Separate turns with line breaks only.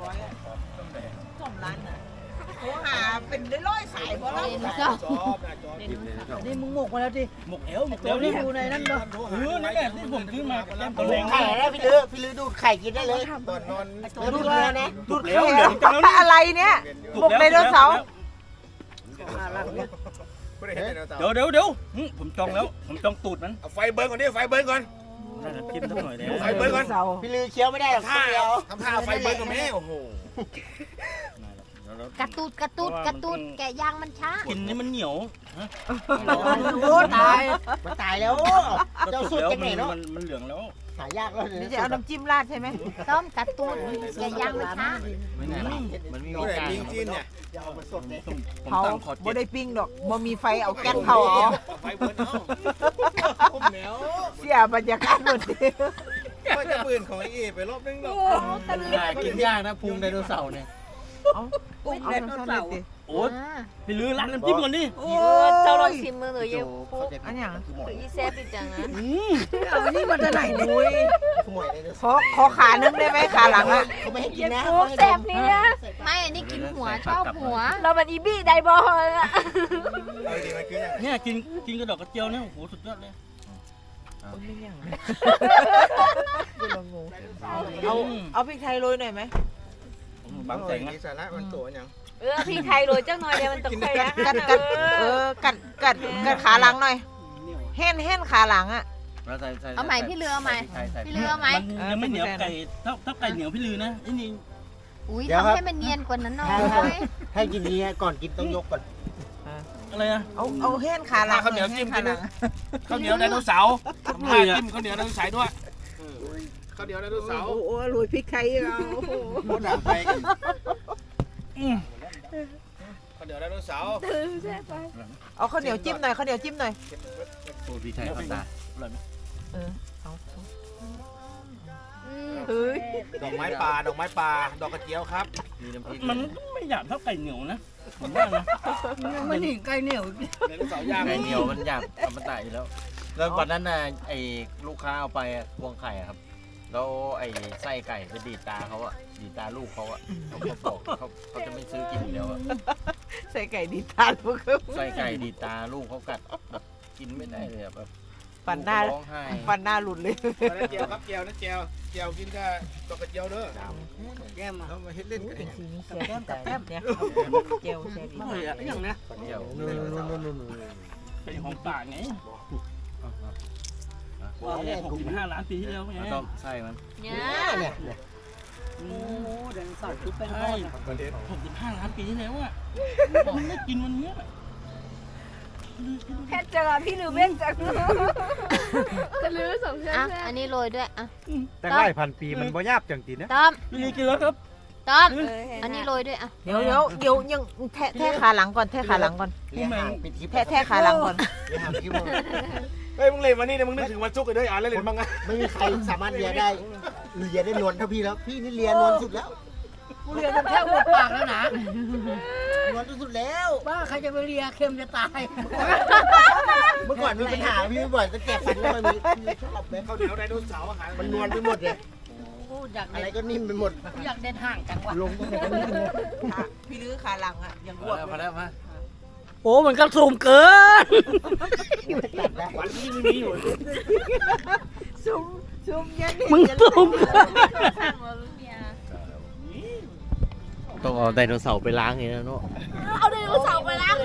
2002 ล้านน่ะโทรหาเป็นร้อยๆสายบ่แล้ว
นี่มึงหมกมาแล้วดิ
หมกเอวนี่
อยู่ในนั้นเนาะ
นั่นแหละที่ผมซื้อมาแก้มตัว
ดู
แร
ด
ง
ไข่ได้พี่ลือดูดไข่กินได้เลยตอนนอนดูดเนื้อนะ
ดูดแล้วเหลืองจังแล้ว
อะไรเนี่ยหมกไดโนเสาร์
เดี๋ยวผมจองแล้วผมจองตูดมัน
เอาไฟเบิร์นก่อนดิไฟเบิร์นก่อน
น่าจะกินสักหน่อยแล้ว
ไฟเบิร์นก่อน
พี่ลือเคี้ยวไม่ได้หรอก
ท่า
เดียว
ทำท่าเอาไฟเบิร์นก่อนแม่โอ้โห
กระตูดแกะยางมันช้า
กินนี่มันเหนียว
โอ้ตาย
มันตายแล้วเจ้าสุดจังไหนเนาะ
มันเหลืองแล้ว
หายากแล้ว
นี่จะเอาน้ำจิ้มราดใช่ไหม
ต้มกระตูดแกะยางมันช้า
ไม่แน่มันมี
นี่แหละจริงจีนเนี่ย
เอามาสดเลย
ผม
เผา
ตั้งขอ
บ่
7
ได้ปิ้งดอกบ่มีไฟเอาแก๊สเผาเอา
ไฟเบิร์นเอาผมแมว
เสียบรรยากาศหมดเลย
ว่าจะปืนของไอ้เอไปรอบนึงหรอก
กินยากนะพุงไดโนเสาร์เนี่ย
เอาไดโนเสาร์
โอ๊ยพี่ลือร้านน้ำจิ้มก่อนดิ
เจ้าลองชิมมือหน่อยเยอะ
อันอย่าง
อีเซฟอีจังนะ
เอานี่มาจากไหนอุ้ย
ขโมยเลย
ขอขานึงได้ไหมขาหลังอ่ะ
เขาไม่ให้กินนะ
โอ้แซฟนี่นะ
ไม่อันนี้กินหัวชอบหัว
เราเป็นอีบี้ไดบอลอะ
เอาดีมันคือยัง
เนี่ยกินกระดอกกระเจียวเนี่ยโอ้โหสุดยอดเลย
เอาพริกไทยโรยหน่อยไหม
บางแสงนะ
มีสาระมันตัวยัง
พี่ไทยโรยจังหน่อยเดียวมันตกไปนะ
กัดขาหลังหน่อยเห็นขาหลังอ่ะ
เอาใหม่พี่เรือเอาใหม่พี่เรือเอาใหม่
มันยังไม่เหนียวไก่ถ้าไก่เหนียวพี่ลือนะนี่
อุ้ยทำให้มันเนียนกว่านั้นหน่อย
ให้กินนี้ก่อนกินต้องยกก่อน
อะไรอะ
เอาเห็นขาหลัง
ข้าวเหนียวจิ้มกินนะข้าวเหนียวไดโนเสาร์ทำท่าจิ้มข้าวเหนียวไดโนเสาร์ด้วยข้าวเหนียวไดโนเสาร์
โอ้โรยพริกไทยเรา
โคตรด่าไฟกันข้าวเหนียวไดโนเสาร์
เอาข้าวเหนียวจิ้มหน่อยข้าวเหนียวจิ้มหน่อย
โอ้พี่ไทยพันตาอร่อยไหม
เฮ้ย
ดอกไม้ป่าดอกกระเจียวครับ
มันไม่หยาบเท่าไก่เหนียวนะผมว่านะ
ไม่หนีไก่เหนียว
ไดโนเสาร์ย่าง
ไก่เหนียวมันหยาบอมตะอยู่แล้ว แล้ววันนั้นน่ะไอ้ลูกค้าเอาไปพวงไข่อะครับ แล้วไอ้ไส้ไก่ไปดีดตาเขาอะดีดตาลูกเขาอะเขาบอกเขาจะไม่ซื้อกินอีกแล้วอะ
ใส่ไก่ดีทานพวกเขา
ไส้ไก่ดีดตาลูกเขากัดแบบกินไม่ได้เลยอะแบบ
ฟันหน้า
ร้องไห้
ฟันหน้าหลุดเลย
เจียวครับเจียวนะเจียวกินกับดอกกระเจียวเด้อ
แก้ม
เขามาเฮ็ดเล่นกันเนี่ย
แก้มกับแก้มเนี่ยเจลใช่ดี
อย่างนะ
เดี่ยว
เป็นของป่าไง65 ล้านปีที่แล้วไง
แล้วก็ไส้มัน
เนี่ย
เนี่ย
โอ้แดงสดคือเป็นทอด65 ล้านปีที่แล้วอ่ะมันได้กินวันเนี้ย
แค่เจอพี่ลืมเล่นจังจะลืมสองเชือ
อ่ะ
ก
อันนี้โรยด้วยอ่ะ
แต่ไล่พันปีมันบ่ยาบจังตีนะ
ต้อม
พี่ลีกินแล้วครับ
ต้อมอันนี้โรยด้วยอ่ะ
เดี๋ยวยังแท้ขาหลังก่อนแท้ขาหลังก่อน
เลี้ยงหางปิดทิพย์
แท้ขาหลังก่อน
เลี้ยงหางทิพย์
เฮ้ยมึงเล่นมานี่นะมึงนึกถึงวันศุกร์กันด้วยอ่านแล้วเล่นบ้างอ่ะ
ไม่มีใครสามารถเลียได้นวลเท่าพี่แล้วพี่นี่เลียนวลสุดแล้ว
กูเรียนกันแค่หัวปากแล้วนะ
นวลสุดแล้ว
บ้าใครจะไปเลียเค็มจะตาย
เมื่อก่อนมีปัญหาพี่บ่อยก็แก่ฟันแล้วมันชอบเลย
ข้าวเหนียวไดโนเสาร์อาหาร
มันนวลไปหมดเลย
กูอยาก
อะไร
เด็ด
ก็นิ่มไปหมด
กูอยากเด็ดห่างจังวะ
ลงก็ไม่ได้นิ่มเลย
พี่ลื้อขาหลังอ่ะยังบวม
พอแล้วมา
โอ้มันกระสูมเกิน
ตัดแล้ว
วันที่ไม่มีอยู่
ซุ่มยัน
มึงสูม
ต้องเอาไดโนเสาร์ไปล้างอย่างนี้นะเนาะ
เอาไดโนเสาร์ไปล้าง